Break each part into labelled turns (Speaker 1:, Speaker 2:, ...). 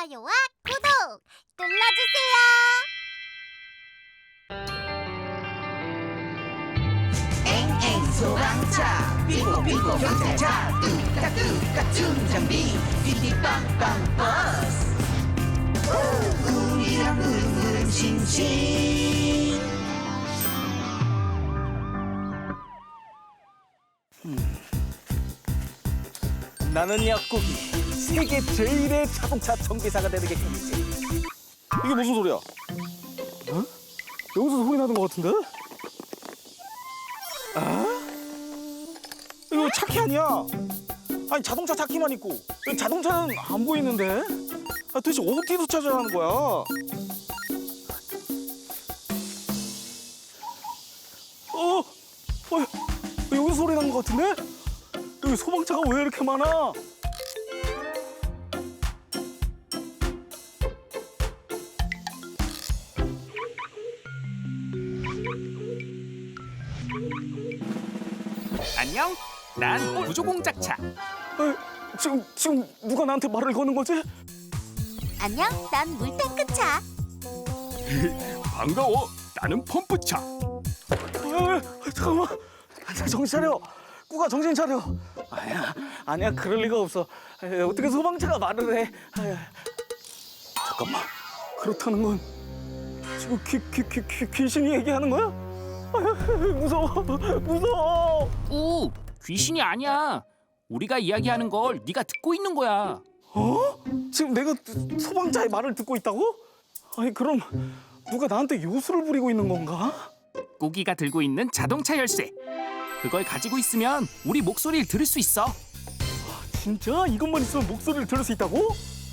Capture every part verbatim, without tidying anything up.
Speaker 1: 좋아요와 구독 눌러주세요.
Speaker 2: 엥엥 소방차 삐뽀삐뽀 경찰차 뚜까뚜까 충전비 삐삐빵빵 버스 우리랑 흐름흐름 싱싱.
Speaker 3: 나는 약국이 세계 제일의 자동차 정비사가 되는 게 꿈이지. 이게 무슨 소리야? 어? 여기서 소리 나는 것 같은데? 아? 이거 차키 아니야? 아니 자동차 차키만 있고 자동차는 안 보이는데? 아, 도대체 어디서 찾아야 하는 거야? 어? 어? 여기서 소리 나는 것 같은데? 여기 소방차가 왜 이렇게 많아?
Speaker 4: 안녕, 난 구조공작차.
Speaker 3: 에, 지금 지금 누가 나한테 말을 거는 거지?
Speaker 1: 안녕, 난 물탱크차.
Speaker 4: 반가워, 나는 펌프차.
Speaker 3: 에, 잠깐만, 정신 차려. 꾸가 정신 차려. 아니야, 아니야, 그럴 리가 없어. 에, 어떻게 소방차가 말을 해? 아야. 잠깐만, 그렇다는 건 지금 귀, 귀, 귀, 귀, 귀신이 얘기하는 거야? 아야, 무서워, 무서워.
Speaker 4: 오, 귀신이 아니야. 우리가 이야기하는 걸 네가 듣고 있는 거야.
Speaker 3: 어? 지금 내가 소방차의 말을 듣고 있다고? 아니 그럼 누가 나한테 요술을 부리고 있는 건가?
Speaker 4: 꾸기가 들고 있는 자동차 열쇠. 그걸 가지고 있으면 우리 목소리를 들을 수 있어.
Speaker 3: 진짜? 이것만 있으면 목소리를 들을 수 있다고?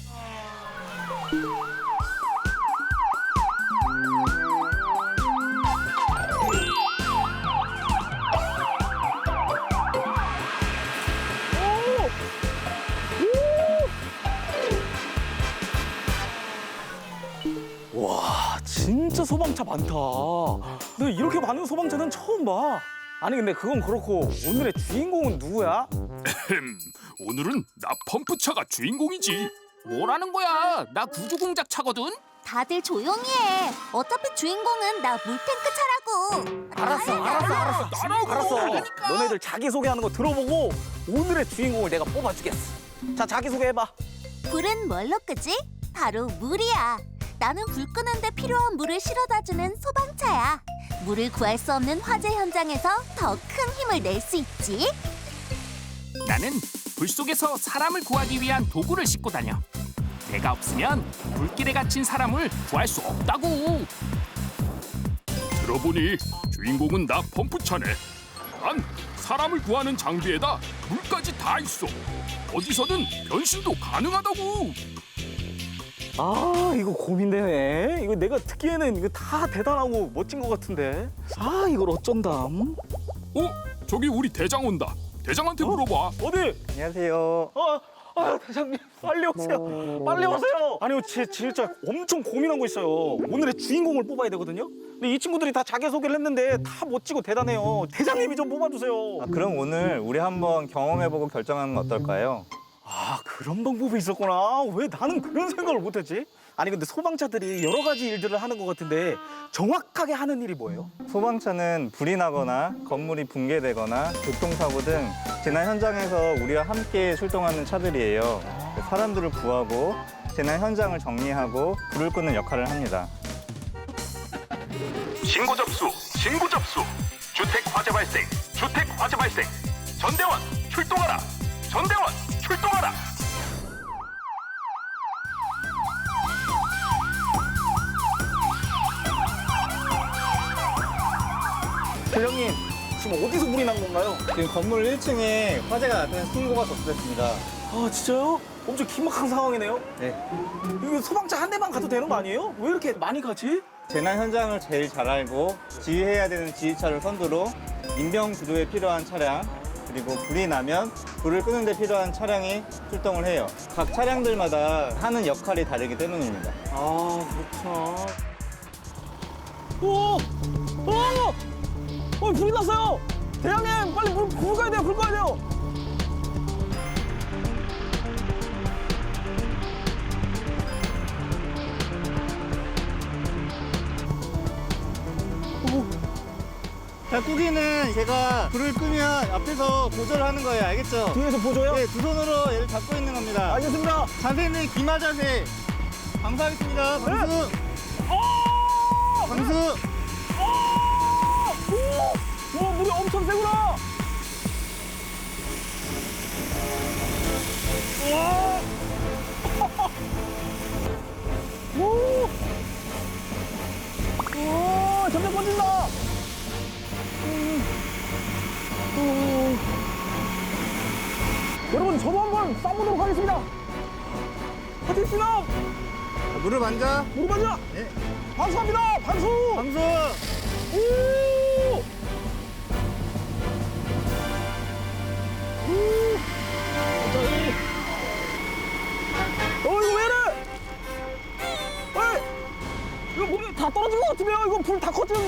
Speaker 3: 오! 오! 와, 진짜 소방차 많다. 내가 이렇게 많은 소방차는 처음 봐. 아니 근데 그건 그렇고 오늘의 주인공은 누구야?
Speaker 4: 오늘은 나 펌프차가 주인공이지. 뭐라는 거야? 나 구조공작차거든.
Speaker 1: 다들 조용히 해. 어차피 주인공은 나 물탱크차라고.
Speaker 3: 알았어, 알았어, 알았어.
Speaker 4: 나라고.
Speaker 3: 알았어.
Speaker 4: 그러니까.
Speaker 3: 너네들 자기소개하는 거 들어보고 오늘의 주인공을 내가 뽑아주겠어. 자, 자기소개해봐.
Speaker 1: 불은 뭘로 끄지? 바로 물이야. 나는 불 끄는데 필요한 물을 실어다주는 소방차야. 물을 구할 수 없는 화재 현장에서 더 큰 힘을 낼 수 있지.
Speaker 4: 나는 불 속에서 사람을 구하기 위한 도구를 싣고 다녀. 내가 없으면 불길에 갇힌 사람을 구할 수 없다고. 들어보니 주인공은 나 펌프차네. 난 사람을 구하는 장비에다 물까지 다 있어. 어디서든 변신도 가능하다고.
Speaker 3: 아, 이거 고민되네. 이거 내가 듣기에는 이거 다 대단하고 멋진 것 같은데. 아, 이걸 어쩐담?
Speaker 4: 어? 저기 우리 대장 온다. 대장한테 물어봐.
Speaker 3: 어디?
Speaker 5: 안녕하세요.
Speaker 3: 어, 아, 대장님, 빨리 오세요. 빨리 오세요. 아니요, 제, 진짜 엄청 고민한 거 있어요. 오늘의 주인공을 뽑아야 되거든요. 근데 이 친구들이 다 자기소개를 했는데 다 멋지고 대단해요. 대장님이 좀 뽑아주세요.
Speaker 5: 아, 그럼 오늘 우리 한번 경험해보고 결정하는 건 어떨까요?
Speaker 3: 아, 그런 방법이 있었구나. 왜 나는 그런 생각을 못했지? 아니 근데 소방차들이 여러 가지 일들을 하는 것 같은데 정확하게 하는 일이 뭐예요?
Speaker 5: 소방차는 불이 나거나 건물이 붕괴되거나 교통사고 등 재난 현장에서 우리와 함께 출동하는 차들이에요. 사람들을 구하고 재난 현장을 정리하고 불을 끄는 역할을 합니다.
Speaker 6: 신고 접수, 신고 접수. 주택 화재 발생, 주택 화재 발생. 전대원 출동하라. 전대원 출동하라.
Speaker 3: 대장님, 지금 어디서 불이 난 건가요?
Speaker 5: 지금 건물 일 층에 화재가 나타난 신고가 접수됐습니다.
Speaker 3: 아, 진짜요? 엄청 긴박한 상황이네요.
Speaker 5: 네.
Speaker 3: 이거 소방차 한 대만 가도 되는 거 아니에요? 왜 이렇게 많이 가지?
Speaker 5: 재난 현장을 제일 잘 알고 지휘해야 되는 지휘차를 선두로 인명 구조에 필요한 차량, 그리고 불이 나면 불을 끄는 데 필요한 차량이 출동을 해요. 각 차량들마다 하는 역할이 다르기 때문입니다.
Speaker 3: 아, 그렇구나. 오! 오! 어, 불이 났어요! 대장님, 빨리 불, 불 꺼야 돼요, 불 꺼야 돼요!
Speaker 5: 자, 꾸기는 제가 불을 끄면 앞에서 보조를 하는 거예요. 알겠죠?
Speaker 3: 뒤에서 보조요?
Speaker 5: 네, 두 손으로 얘를 잡고 있는 겁니다.
Speaker 3: 알겠습니다.
Speaker 5: 자세는 기마 자세. 방수하겠습니다. 방수. 방수.
Speaker 3: 와, 물이 엄청 세구나. 와. 오. 오, 점점 꺼진다. 음. 오. 여러분, 저도 한번 싸보도록 하겠습니다. 하겠습니다.
Speaker 5: 자, 물을 만져.
Speaker 3: 무릎 맞아.
Speaker 5: 네.
Speaker 3: 방수합니다. 방수.
Speaker 5: 방수.
Speaker 3: 오. 오. 갑자기. 어, 이거 왜 이래? 어이, 이거 물이 다 떨어진 것 같으면 이거 불 다 커지는데.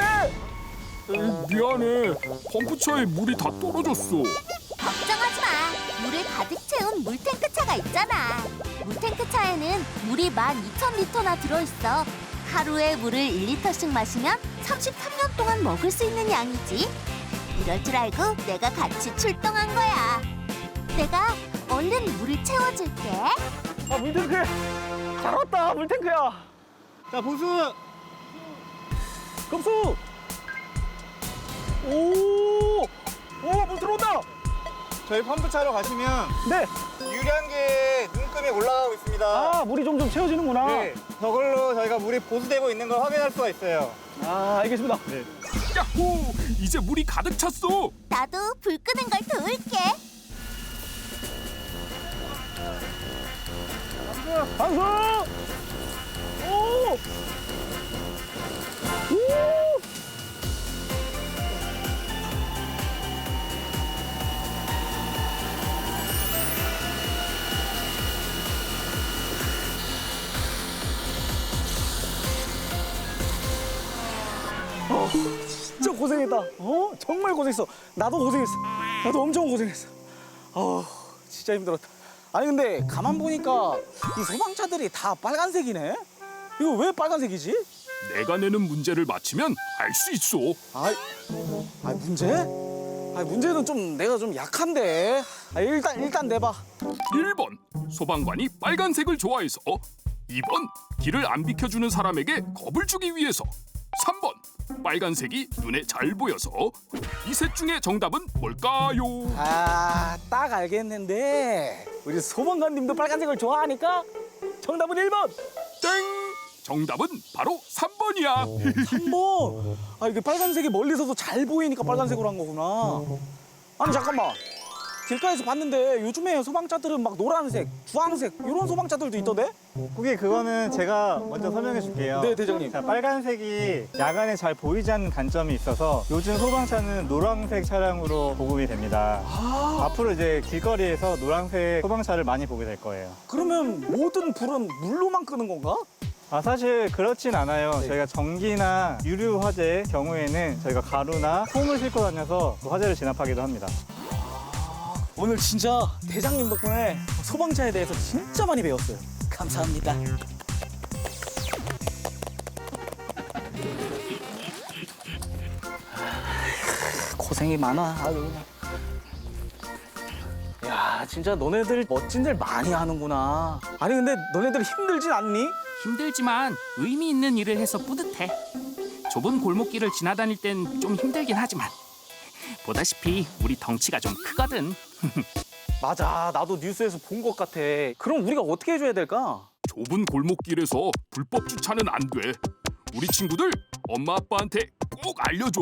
Speaker 4: 미안해. 펌프차에 물이 다 떨어졌어.
Speaker 1: 걱정하지 마. 물을 가득 채운 물탱크 차가 있잖아. 물탱크 차에는 물이 만 이천 리터나 들어있어. 하루에 물을 일 리터씩 마시면 삼십삼 년 동안 먹을 수 있는 양이지. 이럴 줄 알고 내가 같이 출동한 거야. 내가 얼른 물을 채워줄게.
Speaker 3: 아, 물탱크. 잘 왔다, 물탱크야.
Speaker 5: 자, 보수.
Speaker 3: 급수. 오. 오, 물 들어온다.
Speaker 5: 저희 펌프 차로 가시면
Speaker 3: 네.
Speaker 5: 유량계 눈금이 올라가고 있습니다.
Speaker 3: 아, 물이 점점 채워지는구나.
Speaker 5: 네. 저걸로 저희가 물이 보수되고 있는 걸 확인할 수가 있어요.
Speaker 3: 아, 알겠습니다.
Speaker 5: 네.
Speaker 4: 야호! 이제 물이 가득 찼어.
Speaker 1: 나도 불 끄는 걸 도울게.
Speaker 3: 방수! 오! 오! 어, 진짜 고생했다. 어? 정말 고생했어. 나도 고생했어. 나도 엄청 고생했어. 어, 진짜 힘들었다. 아니 근데 가만 보니까 이 소방차들이 다 빨간색이네. 이거 왜 빨간색이지?
Speaker 4: 내가 내는 문제를 맞히면 알 수 있어.
Speaker 3: 아이, 아 문제? 아 문제는 좀 내가 좀 약한데. 아, 일단 일단 내봐.
Speaker 4: 일 번 소방관이 빨간색을 좋아해서. 이 번 길을 안 비켜주는 사람에게 겁을 주기 위해서. 삼 번 빨간색이 눈에 잘 보여서. 이 셋 중에 정답은 뭘까요?
Speaker 3: 아, 딱 알겠는데 우리 소방관님도 빨간색을 좋아하니까 정답은 일 번.
Speaker 4: 땡! 정답은 바로 삼 번이야.
Speaker 3: 한 번. 아 이게 빨간색이 멀리서도 잘 보이니까 빨간색으로 한 거구나. 아니 잠깐만. 길가에서 봤는데 요즘에 소방차들은 막 노란색, 주황색 이런 소방차들도 있던데?
Speaker 5: 그게 그거는 제가 먼저 설명해 줄게요.
Speaker 3: 네, 대장님.
Speaker 5: 자, 빨간색이 야간에 잘 보이지 않는 단점이 있어서 요즘 소방차는 노란색 차량으로 보급이 됩니다.
Speaker 3: 아,
Speaker 5: 앞으로 이제 길거리에서 노란색 소방차를 많이 보게 될 거예요.
Speaker 3: 그러면 모든 불은 물로만 끄는 건가?
Speaker 5: 아, 사실 그렇진 않아요.
Speaker 3: 네.
Speaker 5: 저희가 전기나 유류 화재 경우에는 저희가 가루나 폼을 싣고 다녀서 화재를 진압하기도 합니다.
Speaker 3: 오늘 진짜 대장님 덕분에 소방차에 대해서 진짜 많이 배웠어요. 감사합니다. 고생이 많아. 아유. 야, 진짜 너네들 멋진들 많이 하는구나. 아니 근데 너네들 힘들진 않니?
Speaker 4: 힘들지만 의미 있는 일을 해서 뿌듯해. 좁은 골목길을 지나다닐 땐 좀 힘들긴 하지만 보다시피 우리 덩치가 좀 크거든.
Speaker 3: 맞아, 나도 뉴스에서 본 것 같아. 그럼 우리가 어떻게 해줘야 될까?
Speaker 4: 좁은 골목길에서 불법 주차는 안 돼. 우리 친구들 엄마 아빠한테 꼭 알려줘.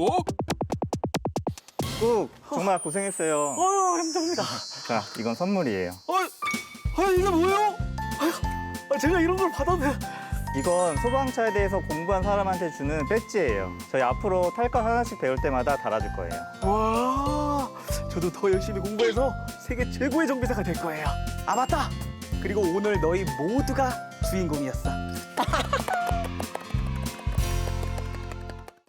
Speaker 5: 꾹 정말 고생했어요.
Speaker 3: 어휴, 힘듭니다.
Speaker 5: 자, 이건 선물이에요.
Speaker 3: 어, 아, 이게 뭐예요? 아, 제가 이런 걸 받아도 돼요?
Speaker 5: 이건 소방차에 대해서 공부한 사람한테 주는 배지예요. 저희 앞으로 탈 것 하나씩 배울 때마다 달아줄 거예요.
Speaker 3: 와, 저도 더 열심히 공부해서 세계 최고의 정비사가 될 거예요. 아, 맞다. 그리고 오늘 너희 모두가 주인공이었어.